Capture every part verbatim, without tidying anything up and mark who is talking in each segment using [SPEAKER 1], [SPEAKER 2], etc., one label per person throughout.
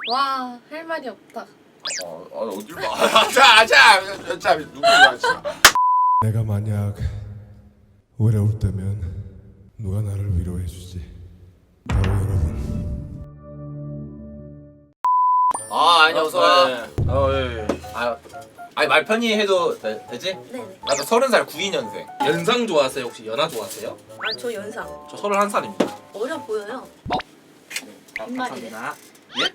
[SPEAKER 1] 와, 할 말이 없다.
[SPEAKER 2] 어, 어 어딜 봐. 자, 자, 자, 누구야 지금?
[SPEAKER 3] 내가 만약 외로울 때면 누가 나를 위로해주지? 바로 여러분.
[SPEAKER 2] 아, 아니 어서 와.
[SPEAKER 4] 어, 예, 예.
[SPEAKER 2] 아, 아니 말 편히 해도 되, 되지?
[SPEAKER 5] 네네.
[SPEAKER 2] 나도 서른 살 구이 년생.
[SPEAKER 4] 연상 좋아하세요? 혹시 연하 좋아하세요?
[SPEAKER 5] 아, 저 연상.
[SPEAKER 4] 저 서른한 살입니다.
[SPEAKER 5] 어려 보여요.
[SPEAKER 4] 아,
[SPEAKER 5] 빈말이네.
[SPEAKER 4] 감사합니다. 예?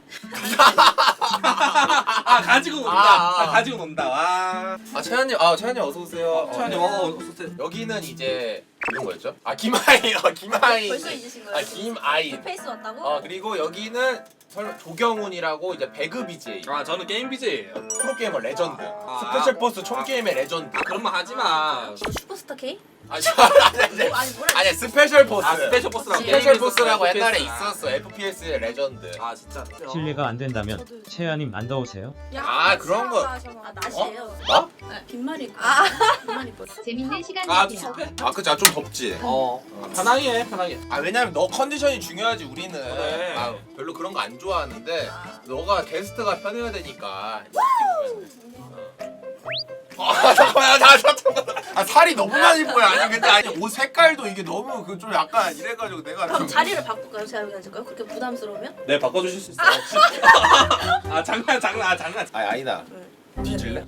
[SPEAKER 4] 아 가지고 논다.
[SPEAKER 2] 아, 아.
[SPEAKER 4] 아, 가지고 논다. 와.
[SPEAKER 2] 아, 채연님, 아, 채연님 어서 오세요.
[SPEAKER 4] 차연이
[SPEAKER 2] 어,
[SPEAKER 4] 어, 어서오세요.
[SPEAKER 2] 여기는 이제 이런 거였죠? 아, 김아인, 어, 김아인.
[SPEAKER 5] 벌써 잊으신 거예요?
[SPEAKER 2] 아, 김아인.
[SPEAKER 5] 페이스 왔다고?
[SPEAKER 2] 어, 그리고 여기는 설마 조경훈이라고 이제 배그 비제이.
[SPEAKER 4] 아 저는 게임 비제예요.
[SPEAKER 2] 프로게이머 레전드.
[SPEAKER 4] 아,
[SPEAKER 2] 스페셜
[SPEAKER 4] 아,
[SPEAKER 2] 버스 총게임의 레전드.
[SPEAKER 4] 아 그런 말 하지 마.
[SPEAKER 5] 저 슈퍼스타 K?
[SPEAKER 2] 아니, 저, 아니, 아니,
[SPEAKER 5] 뭐, 아니 뭐라
[SPEAKER 2] 아니, 스페셜 버스.
[SPEAKER 4] 아 스페셜 버스라고.
[SPEAKER 2] 스페셜
[SPEAKER 4] 게임에서
[SPEAKER 2] 버스라고
[SPEAKER 4] 에프피에스.
[SPEAKER 2] 옛날에 있었어. 에프피에스의 레전드.
[SPEAKER 4] 아 진짜.
[SPEAKER 6] 실례가 안 된다면 채연님 안 더우세요?
[SPEAKER 2] 아, 그런 거.
[SPEAKER 5] 아, 낮이에요.
[SPEAKER 2] 나?
[SPEAKER 5] 네. 빈말이 있고.
[SPEAKER 1] 아.
[SPEAKER 5] 빈말이 있고.
[SPEAKER 7] 재밌는 시간
[SPEAKER 4] 아
[SPEAKER 7] 되세요.
[SPEAKER 4] 숲해?
[SPEAKER 2] 아, 그치. 아, 좀 덥지.
[SPEAKER 4] 어. 아, 편하게 해 편하게.
[SPEAKER 2] 아, 왜냐면 너 컨디션이 중요하지, 우리는.
[SPEAKER 4] 그래.
[SPEAKER 2] 아, 별로 그런 거 안 좋아하는데, 너가 게스트가 편해야 되니까. 아, 잠깐만, 나 잠깐만. 아, 살이 너무 많이 보여. 아니, 근데 아니, 옷 색깔도 이게 너무 그 좀 약간 이래가지고 내가.
[SPEAKER 5] 그럼
[SPEAKER 2] 좀-
[SPEAKER 5] 자리를 바꿀까요? 제가 여기 앉을까요? 그렇게 부담스러우면?
[SPEAKER 4] 네 바꿔주실 수 있어요? 아 장난 장난 아 장난.
[SPEAKER 2] 아, 아니다.
[SPEAKER 5] 네.
[SPEAKER 2] 뒤질래?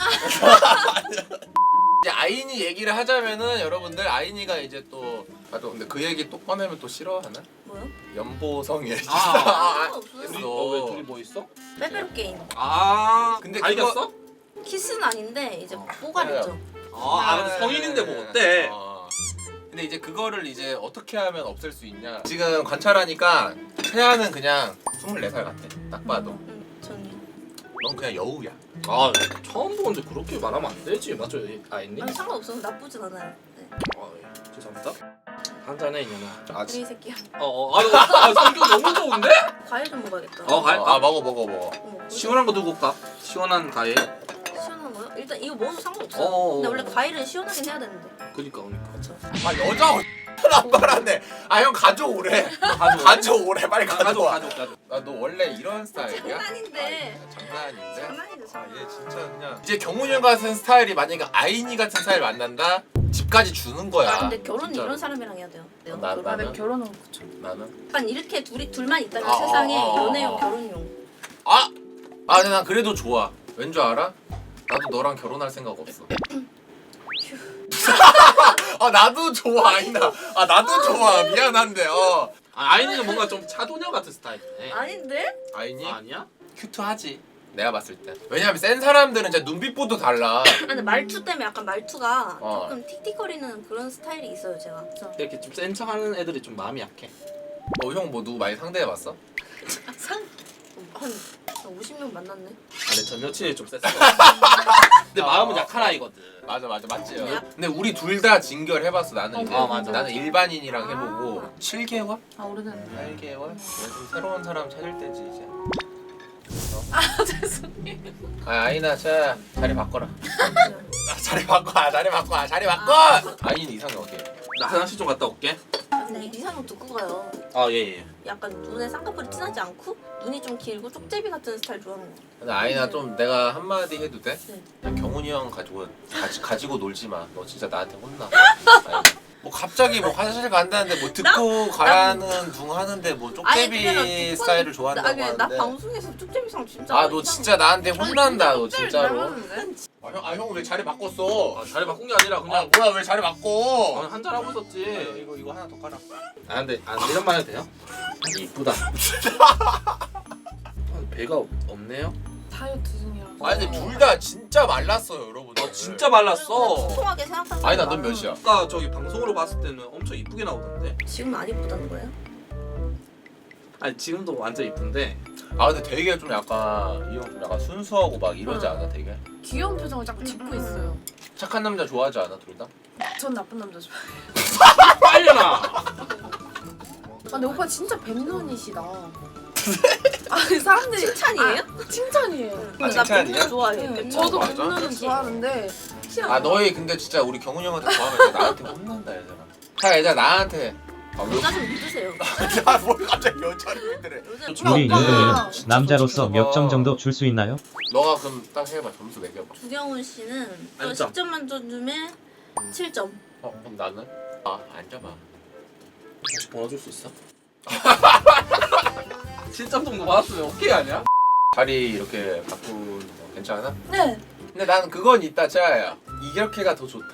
[SPEAKER 2] 이제 아이니 얘기를 하자면은 여러분들 아이니가 이제 또 아 또 근데 그 얘기 또 꺼내면 또 싫어하나?
[SPEAKER 5] 뭐요?
[SPEAKER 2] 연보성이
[SPEAKER 4] 아,
[SPEAKER 5] 아, 없어요.
[SPEAKER 4] 둘이 어왜 둘이 뭐 있어?
[SPEAKER 5] 빼빼로 게임.
[SPEAKER 4] 아
[SPEAKER 2] 근데
[SPEAKER 4] 다
[SPEAKER 2] 그거-
[SPEAKER 4] 이겼어?
[SPEAKER 5] 키스는 아닌데 이제 뽀가리죠.
[SPEAKER 4] 아, 아 근데 성인인데 뭐 어때?
[SPEAKER 2] 어. 근데 이제 그거를 이제 어떻게 하면 없앨 수 있냐? 지금 관찰하니까 태아는 그냥 스물네 살 같아. 딱 봐도.
[SPEAKER 5] 응, 전요.
[SPEAKER 2] 넌 그냥 여우야.
[SPEAKER 4] 아 처음 보는데 그렇게 말하면 안 되지 맞죠 아이님?
[SPEAKER 5] 아니 상관없어서 나쁘진 않아요. 네.
[SPEAKER 4] 아 예. 죄송합니다. 한잔해 이년아.
[SPEAKER 2] 아,
[SPEAKER 5] 우리 새끼야.
[SPEAKER 4] 어어 아, 아 성격 너무 좋은데?
[SPEAKER 5] 과일 좀 먹어야겠다.
[SPEAKER 4] 어, 과일?
[SPEAKER 2] 아, 먹어 먹어 먹어.
[SPEAKER 5] 어머,
[SPEAKER 4] 시원한 거 두고 올까? 시원한 과일.
[SPEAKER 5] 시원한 거요? 일단 이거 먹어도 상관없어요.
[SPEAKER 4] 어어.
[SPEAKER 5] 근데 원래 과일은 시원하긴 해야 되는데.
[SPEAKER 4] 그니까 그니까.
[SPEAKER 5] 그렇죠.
[SPEAKER 2] 아, 여자 안 말하네. 아, 형 가져오래.
[SPEAKER 4] 가져와.
[SPEAKER 2] 가져오래. 빨리
[SPEAKER 4] 가족
[SPEAKER 2] 가져와.
[SPEAKER 4] 가족 가족.
[SPEAKER 2] 아, 너 원래 이런 스타일이야?
[SPEAKER 5] 장난인데.
[SPEAKER 2] 아, 장난인데?
[SPEAKER 5] 장난이죠,
[SPEAKER 2] 아,
[SPEAKER 5] 장난.
[SPEAKER 2] 얘 진짜 그냥 이제 경훈이 형 같은 스타일이 만약에 아이니 같은 스타일 만난다? 집까지 주는 거야.
[SPEAKER 5] 아 근데 결혼은
[SPEAKER 2] 진짜로.
[SPEAKER 5] 이런 사람이랑 해야 돼요. 네,
[SPEAKER 2] 나-
[SPEAKER 5] 결혼.
[SPEAKER 2] 나는?
[SPEAKER 1] 나는 결혼은 그쵸.
[SPEAKER 2] 나는?
[SPEAKER 5] 약간 이렇게 둘이 둘만 있다면
[SPEAKER 2] 아,
[SPEAKER 5] 세상에
[SPEAKER 2] 아, 아,
[SPEAKER 5] 연애용
[SPEAKER 2] 아.
[SPEAKER 5] 결혼용.
[SPEAKER 2] 아! 아, 근데 난 그래도 좋아. 왠 줄 알아? 나도 너랑 결혼할 생각 없어. 아, 나도 좋아, 아이나. 아, 나도 좋아. 미안한데, 어.
[SPEAKER 4] 아, 아이니는 뭔가 좀 차도녀 같은 스타일이네.
[SPEAKER 5] 아닌데?
[SPEAKER 2] 아이니?
[SPEAKER 4] 아, 아니야?
[SPEAKER 2] 큐트하지. 내가 봤을 때. 왜냐면 센 사람들은 진짜 눈빛보도 달라.
[SPEAKER 5] 아, 근데 말투 때문에 약간 말투가
[SPEAKER 2] 어.
[SPEAKER 5] 조금 틱틱거리는 그런 스타일이 있어요 제가. 그래서
[SPEAKER 4] 이렇게 좀 센 척하는 애들이 좀 마음이 약해.
[SPEAKER 2] 어, 형 뭐 누구 많이 상대해봤어?
[SPEAKER 5] 상... 한 오십 명 만났네.
[SPEAKER 4] 아니 전 여친이 좀 셌어. 근데 마음은 약한 아이거든.
[SPEAKER 2] 맞아, 맞아, 맞지.
[SPEAKER 5] 근데 약-
[SPEAKER 2] 근데 우리 둘 다 진결해봤어. 나는 이제
[SPEAKER 4] 아, 맞아.
[SPEAKER 2] 나는 일반인이랑
[SPEAKER 5] 아.
[SPEAKER 2] 해보고 칠 개월?
[SPEAKER 1] 아, 오래됐네.
[SPEAKER 2] 팔 개월? 요즘 새로운 사람 찾을 때지 이제.
[SPEAKER 1] 아, 죄송해요.
[SPEAKER 2] 아, 아이나 자 자리 바꿔라. 아, 자리 바꿔, 아, 자리 바꿔, 아, 자리 바꿔. 아이는 이상해 어떻게?
[SPEAKER 4] 나 화장실 좀 갔다 올게.
[SPEAKER 5] 근데 이상형 듣고 가요.
[SPEAKER 4] 아 예예.
[SPEAKER 5] 약간 눈에 쌍꺼풀이 진하지 않고 눈이 좀 길고 쪽제비 같은 스타일 좋아하는 거.
[SPEAKER 2] 근데 아이나 좀 내가 한마디 해도 돼?
[SPEAKER 5] 네.
[SPEAKER 2] 그냥 경훈이 형 가지고 가지, 가지고 놀지 마. 너 진짜 나한테 혼나. 아이나. 뭐 갑자기 뭐 화장실 간다는데 뭐 듣고 가라는 둥 하는데 뭐 쪽제비 스타일을 좋아한다고
[SPEAKER 5] 나, 나
[SPEAKER 2] 하는데.
[SPEAKER 5] 방송에서 쪽제비상 진짜.
[SPEAKER 2] 아, 너
[SPEAKER 5] 이상-
[SPEAKER 2] 진짜 나한테 혼난다, 너
[SPEAKER 1] 쪽제비
[SPEAKER 2] 진짜로.
[SPEAKER 1] 닮았는데?
[SPEAKER 2] 아, 형, 아, 형 왜 자리 바꿨어?
[SPEAKER 4] 아 자리 바꾼 게 아니라
[SPEAKER 2] 아,
[SPEAKER 4] 그냥
[SPEAKER 2] 뭐야, 왜 자리 바꿔?
[SPEAKER 4] 아, 한잔 하고 있었지.
[SPEAKER 2] 이거, 이거 하나 더 깔아.
[SPEAKER 4] 아 근데 안 이런 말 해도 돼요? 아니 이쁘다. 아, 배가 없, 없네요?
[SPEAKER 1] 다이어트 중이라서.
[SPEAKER 2] 아니, 근데 둘 다 진짜 말랐어요, 여러분.
[SPEAKER 4] 아 진짜 말랐어.
[SPEAKER 5] 통통하게 생각하는.
[SPEAKER 2] 아니, 나넌 몇이야?
[SPEAKER 4] 아까 저기 방송으로 봤을 때는 엄청 이쁘게 나오던데.
[SPEAKER 5] 지금 안 이쁘다는 거예요?
[SPEAKER 4] 아니 지금도 완전 이쁜데.
[SPEAKER 2] 아, 근데 되게 좀 약간 이 형 좀 약간 순수하고 막 이러지 않아, 되게?
[SPEAKER 1] 귀여운 표정을 자꾸 짓고 있어요.
[SPEAKER 2] 착한 남자 좋아하지 않아, 둘 다?
[SPEAKER 1] 전 나쁜 남자 좋아해요.
[SPEAKER 4] 빨려나.
[SPEAKER 1] 아, 근데 오빠 진짜 백년이시다. 아, 사람들이
[SPEAKER 5] 칭찬이에요?
[SPEAKER 1] 아, 칭찬이에요.
[SPEAKER 2] 아,
[SPEAKER 5] 나
[SPEAKER 2] 칭찬이야?
[SPEAKER 5] 백년 좋아해.
[SPEAKER 1] 네,
[SPEAKER 5] 백년.
[SPEAKER 1] 저도
[SPEAKER 2] 맞아?
[SPEAKER 1] 백년은 좋아하는데
[SPEAKER 2] 아, 너희 근데 진짜 우리 경훈이 형한테 좋아하면 나한테 혼난다, 얘들아. 자, 얘들아, 나한테 아, 왜?
[SPEAKER 5] 여자 좀 믿으세요.
[SPEAKER 2] 나뭘 갑자기 여자를 믿으래.
[SPEAKER 5] 여자
[SPEAKER 6] 우리
[SPEAKER 1] 오빠.
[SPEAKER 6] 윤동이는 남자로서
[SPEAKER 2] 좀
[SPEAKER 6] 몇 점
[SPEAKER 2] 봐봐.
[SPEAKER 6] 정도 줄 수 있나요?
[SPEAKER 2] 너가 그럼 딱 해봐. 점수 매겨봐.
[SPEAKER 5] 주경훈 씨는 저
[SPEAKER 4] 안 점.
[SPEAKER 5] 십 점 만점에 칠 점.
[SPEAKER 2] 어 그럼 나는? 아 앉아봐.
[SPEAKER 4] 혹시 번호 줄 수 있어? 칠 점 정도 받았으면 오케이 아니야?
[SPEAKER 2] 자리 이렇게 바꾸는 거 괜찮아?
[SPEAKER 1] 네.
[SPEAKER 2] 근데 나는 그건 있다 짜야. 이렇게가 더 좋다.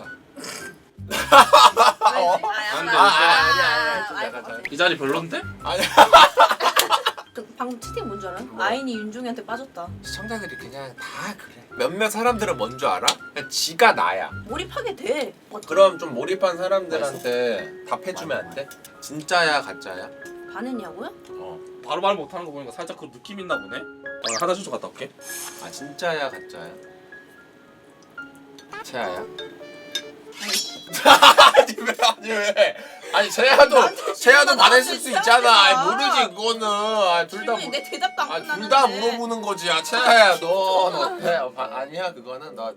[SPEAKER 5] 아,
[SPEAKER 2] 아,
[SPEAKER 5] 약간-
[SPEAKER 2] 아니,
[SPEAKER 5] 아,
[SPEAKER 2] 아니,
[SPEAKER 5] 아,
[SPEAKER 2] 아니, 좀
[SPEAKER 5] 아,
[SPEAKER 2] 약간
[SPEAKER 5] 아,
[SPEAKER 2] 잘-
[SPEAKER 4] 이 자리 별론데?
[SPEAKER 2] 아니야.
[SPEAKER 5] 그 방금 채팅 뭔 줄 알아?
[SPEAKER 2] 뭐?
[SPEAKER 5] 아인이 윤종이한테 빠졌다.
[SPEAKER 2] 시청자들이 그냥 다 그래. 몇몇 사람들은 뭔 줄 알아? 그냥 지가 나야.
[SPEAKER 5] 몰입하게 돼.
[SPEAKER 2] 그럼 좀 몰입한 사람들한테 답해주면 안 돼? 진짜야 가짜야?
[SPEAKER 5] 반했냐고요?
[SPEAKER 2] 어.
[SPEAKER 4] 바로 말 못하는 거 보니까 살짝 그 느낌 있나 보네. 아, 화장실 좀 갔다 올게.
[SPEAKER 2] 아 진짜야 가짜야? 채아야? 아니 왜 아니 왜? 아니 채아도 채아도 반했을 수 있잖아. 아니, 모르지 그거는. 아, 둘 다
[SPEAKER 5] 질문이 내 대답도 안
[SPEAKER 2] 아,
[SPEAKER 5] 끝났는데.
[SPEAKER 2] 둘 다 물어보는 거지. 아 채아야 너 너 어때? 아, 바- 아니야 그거는 너.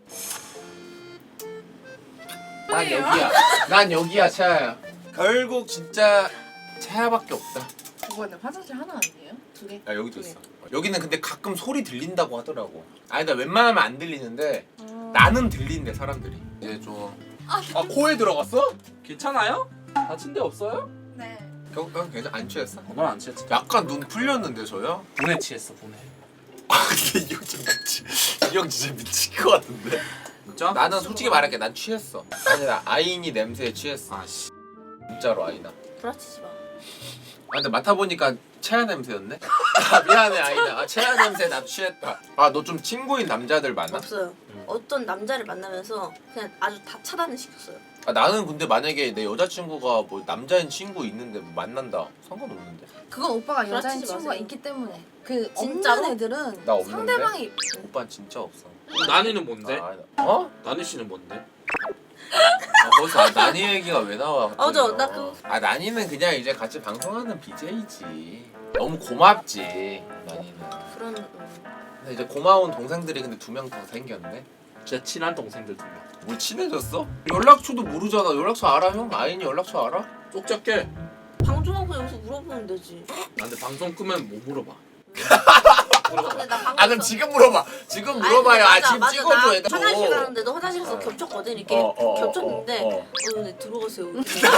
[SPEAKER 2] 난 여기야. 난 여기야 채아야. 결국 진짜 채아밖에 없다.
[SPEAKER 1] 그거는 화장실 하나 아니에요? 두 개?
[SPEAKER 2] 아 여기도 있어. 여기는 근데 가끔 소리 들린다고 하더라고. 아니 나 웬만하면 안 들리는데 나는 들린대 사람들이. 이제 좀
[SPEAKER 4] 아 코에 들어갔어? 괜찮아요? 다친 데 없어요?
[SPEAKER 1] 네.
[SPEAKER 2] 경, 경 괜찮 안 취했어?
[SPEAKER 4] 어, 넌안 취했지.
[SPEAKER 2] 약간 눈 풀렸는데 저요?
[SPEAKER 4] 분해 취했어 분해.
[SPEAKER 2] 아 근데 이 형 좀 미치. 이 형 진짜 미칠 것 같은데.
[SPEAKER 4] 진짜?
[SPEAKER 2] 나는 솔직히 말할게 난 취했어. 아니 나 아인이 냄새에 취했어.
[SPEAKER 4] 아씨.
[SPEAKER 2] 진짜로 아이나.
[SPEAKER 5] 불아치지 마.
[SPEAKER 2] 아 근데 맡아보니까 체아 냄새였네? 아 미안해 아이나. 아 체아 냄새 나 취했다. 아 너 좀 친구인 남자들 많아?
[SPEAKER 5] 없어요. 어떤 남자를 만나면서 그냥 아주 다 차단을 시켰어요.
[SPEAKER 2] 아 나는 근데 만약에 내 여자친구가 뭐 남자인 친구 있는데 뭐 만난다 상관없는데.
[SPEAKER 1] 그건 오빠가 여자인
[SPEAKER 5] 그렇지
[SPEAKER 1] 친구가
[SPEAKER 5] 마세요.
[SPEAKER 1] 있기 때문에. 그
[SPEAKER 5] 진짜로?
[SPEAKER 1] 없는 애들은
[SPEAKER 2] 나 없는데?
[SPEAKER 1] 상대방이
[SPEAKER 2] 오빠는 진짜 없어.
[SPEAKER 4] 나니는 뭔데?
[SPEAKER 2] 아, 아니다. 어?
[SPEAKER 4] 나니 씨는 뭔데?
[SPEAKER 2] 아, 거기서 아, 나니 얘기가 왜 나와?
[SPEAKER 5] 어, 저,
[SPEAKER 2] 갑자기?
[SPEAKER 5] 나 그-
[SPEAKER 2] 아 나니는 그냥 이제 같이 방송하는 비제이지. 너무 고맙지 나니는.
[SPEAKER 5] 그런 음.
[SPEAKER 2] 근데 이제 고마운 동생들이 근데 두 명 더 생겼네.
[SPEAKER 4] 제 친한 동생들 두 명.
[SPEAKER 2] 뭘 친해졌어? 연락처도 모르잖아. 연락처 알아 형? 아인이 연락처 알아?
[SPEAKER 4] 쪽잡게.
[SPEAKER 5] 방송하고 여기서 물어보면 되지.
[SPEAKER 4] 나 근데 방송 끄면 뭐 물어봐.
[SPEAKER 5] 근데 나 방금
[SPEAKER 2] 아 그럼 지금 물어봐. 지금 물어봐요. 아 지금 찍어줘 얘들.
[SPEAKER 5] 화장실 가는데도 화장실에서
[SPEAKER 2] 어.
[SPEAKER 5] 겹쳤거든 이렇게
[SPEAKER 2] 어, 어, 어,
[SPEAKER 5] 겹쳤는데
[SPEAKER 2] 어,
[SPEAKER 5] 어,
[SPEAKER 2] 어.
[SPEAKER 5] 근데 들어가세요.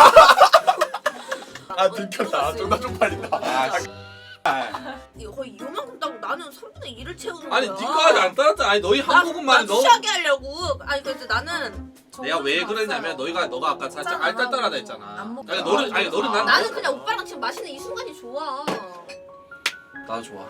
[SPEAKER 2] 아 들켰다. 존나 쪽팔린다. 아,
[SPEAKER 5] 이거 거의 이만큼 따고 나는 삼분의 일을 채우는
[SPEAKER 4] 아니
[SPEAKER 5] 거야.
[SPEAKER 4] 니까지 안 따랐잖아. 아니 너희 한국말이
[SPEAKER 5] 나
[SPEAKER 4] 너무.
[SPEAKER 5] 취하게 하려고. 아니 그래서 나는
[SPEAKER 4] 내가 왜 그랬냐면 너희가 너가 아까 살짝 알딸딸하다 했잖아.
[SPEAKER 1] 안 먹고.
[SPEAKER 4] 아니 너는 아니 너는 난
[SPEAKER 5] 나는 그냥 오빠랑 지금 마시는 이 순간이 좋아.
[SPEAKER 4] 나도 좋아.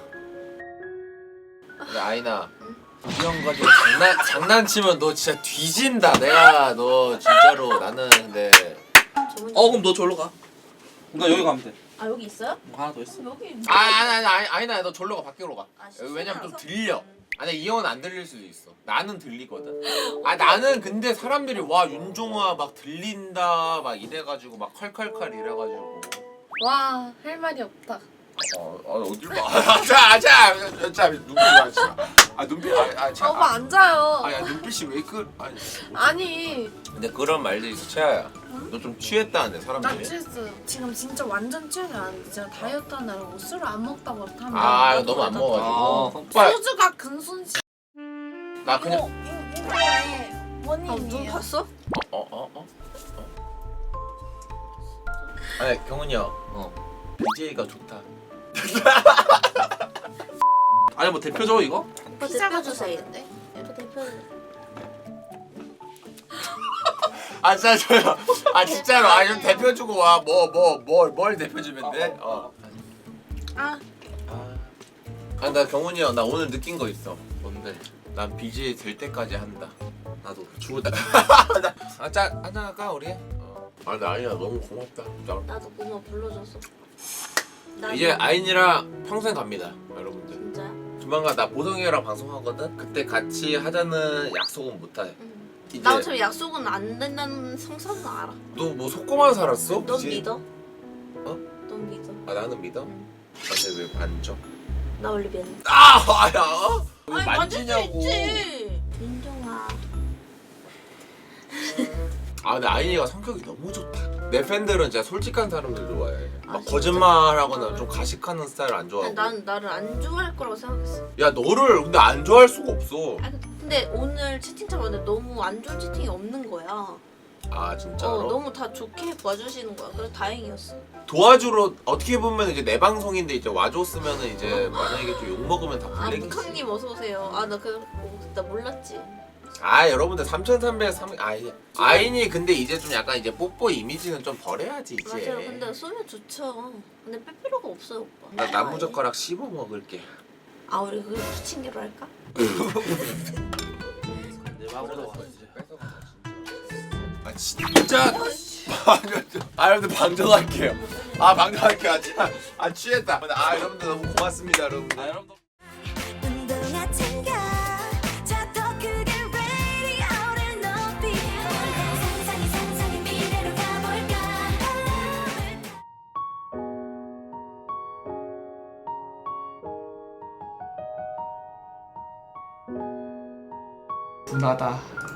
[SPEAKER 2] 근데 아이나 이 형 가지고 장난 장난치면 너 진짜 뒤진다. 내가 너 진짜로 나는 근데
[SPEAKER 5] 저분이-
[SPEAKER 4] 어 그럼 너 저기로 가. 나 여기 가면 돼.
[SPEAKER 5] 아 여기 있어요?
[SPEAKER 4] 뭐 하나 더 있어.
[SPEAKER 5] 여기.
[SPEAKER 2] 아 아니 아니 아니 아이나 너 절로 가 밖으로 가.
[SPEAKER 5] 아,
[SPEAKER 2] 왜냐면 좀
[SPEAKER 5] 시끄러워서?
[SPEAKER 2] 들려. 아니 이 형은 안 들릴 수도 있어. 나는 들리거든. 아 나는 근데 사람들이 와 윤종아 막 들린다 막 이래가지고 막 컬컬컬 이래가지고.
[SPEAKER 1] 와, 할 말이 없다.
[SPEAKER 2] 어, 어 어딜 봐. 자, 자, 자, 눈빛 봐. 자. 아 눈빛, 아, 아, 자,
[SPEAKER 1] 아, 오빠 앉아요.
[SPEAKER 2] 아, 야, 눈빛이 왜 그? 아니.
[SPEAKER 1] 아니,
[SPEAKER 2] 근데 그런 말도 있어, 채아야. 너 좀 취했다는데
[SPEAKER 1] 나
[SPEAKER 2] 사람들이.
[SPEAKER 1] 취했어요. 지금 진짜 완전 취하지 않은데 제가 다이어트 하느라고 술을 안 먹다고 하면
[SPEAKER 2] 아, 이거 너무 안
[SPEAKER 4] 아,
[SPEAKER 2] 먹어가지고. 오빠,
[SPEAKER 1] 소주가 근손실.
[SPEAKER 2] 나 그냥.
[SPEAKER 1] 어, 이거에
[SPEAKER 5] 아, 눈
[SPEAKER 1] 원인이에요.
[SPEAKER 5] 봤어?
[SPEAKER 2] 어, 어, 어, 어. 아니 경훈이 형. 어. 비제이가 좋다.
[SPEAKER 4] 아니 뭐 대표죠 이거?
[SPEAKER 5] 오빠
[SPEAKER 1] 피자가
[SPEAKER 5] 대표 주세요.
[SPEAKER 1] 좋았는데?
[SPEAKER 5] 오빠 대표.
[SPEAKER 2] 아 진짜 저요. 아 진짜로. 아 좀 대표 주고 와. 뭐 뭐 뭘 뭘 대표 주면 돼? 어.
[SPEAKER 5] 아
[SPEAKER 2] 아. 아 나 경훈이 형 나 오늘 느낀 거 있어.
[SPEAKER 4] 뭔데?
[SPEAKER 2] 난 비제이 될 때까지 한다.
[SPEAKER 4] 나도 죽을 때.
[SPEAKER 2] 아, 짜 한잔 할까 우리? 어. 아, 근데 아이나 너무 고맙다. 진짜.
[SPEAKER 5] 나도 고마워 불러줘서. 나
[SPEAKER 2] 이제 아인이랑 평생 갑니다, 여러분들.
[SPEAKER 5] 진짜야?
[SPEAKER 2] 조만간 나 보성이랑 방송하거든. 그때 같이 하자는 약속은 못해.
[SPEAKER 5] 응.
[SPEAKER 2] 이제
[SPEAKER 5] 나 어차피 약속은 안 된다는 성사는 알아.
[SPEAKER 2] 너 뭐 속고만 살았어?
[SPEAKER 5] 넌
[SPEAKER 2] 이제?
[SPEAKER 5] 믿어?
[SPEAKER 2] 어?
[SPEAKER 5] 넌 믿어?
[SPEAKER 2] 아 나는 믿어?
[SPEAKER 5] 응.
[SPEAKER 2] 근데 왜 만져?
[SPEAKER 5] 나 원래 믿어.
[SPEAKER 2] 아, 아야. 왜
[SPEAKER 5] 아니, 만질 수
[SPEAKER 2] 만지냐고?
[SPEAKER 5] 있지. 윤종아.
[SPEAKER 2] 아 근데 아이니가 성격이 너무 좋다. 내 팬들은 진짜 솔직한 사람들 좋아해.
[SPEAKER 5] 아,
[SPEAKER 2] 막
[SPEAKER 5] 진짜?
[SPEAKER 2] 거짓말하거나 좀 가식하는 스타일 안 좋아하고.
[SPEAKER 5] 난 나를 안 좋아할 거라고 생각했어.
[SPEAKER 2] 야 너를 근데 안 좋아할 수가 없어.
[SPEAKER 5] 아, 근데 오늘 채팅창 봤는데 너무 안 좋은 채팅이 없는 거야.
[SPEAKER 2] 아 진짜로?
[SPEAKER 5] 어, 너무 다 좋게 봐주시는 거야. 그래서 다행이었어.
[SPEAKER 2] 도와주러 어떻게 보면 이제 내 방송인데 이제 와줬으면은 이제 만약에 좀 욕 먹으면 다
[SPEAKER 5] 아,
[SPEAKER 2] 블랙이지.
[SPEAKER 5] 묵항님 어서 오세요. 아, 나 그, 나 몰랐지.
[SPEAKER 2] 아 여러분들 삼천삼백삼 아이 아이니 근데 이제 좀 약간 이제 뽀뽀 이미지는 좀 버려야지 이제.
[SPEAKER 5] 맞아요. 근데 쏘면 좋죠. 근데 뺄 필요가 없어요, 오빠.
[SPEAKER 2] 나 나무젓가락 씹어 먹을게.
[SPEAKER 5] 아, 우리 그거 부침개로 할까?
[SPEAKER 4] 내 마음으로 와.
[SPEAKER 2] 아 진짜 아 여러분들 방정할게요. 아 방정할게요. 아, 진짜. 아 취했다. 아 여러분들 너무 고맙습니다 여러분들.
[SPEAKER 4] 아 여러분들.
[SPEAKER 7] 운동화 챙겨 자 더 크게 radio를 높이 상상이 상상이 미래로 가볼까
[SPEAKER 8] 분하다.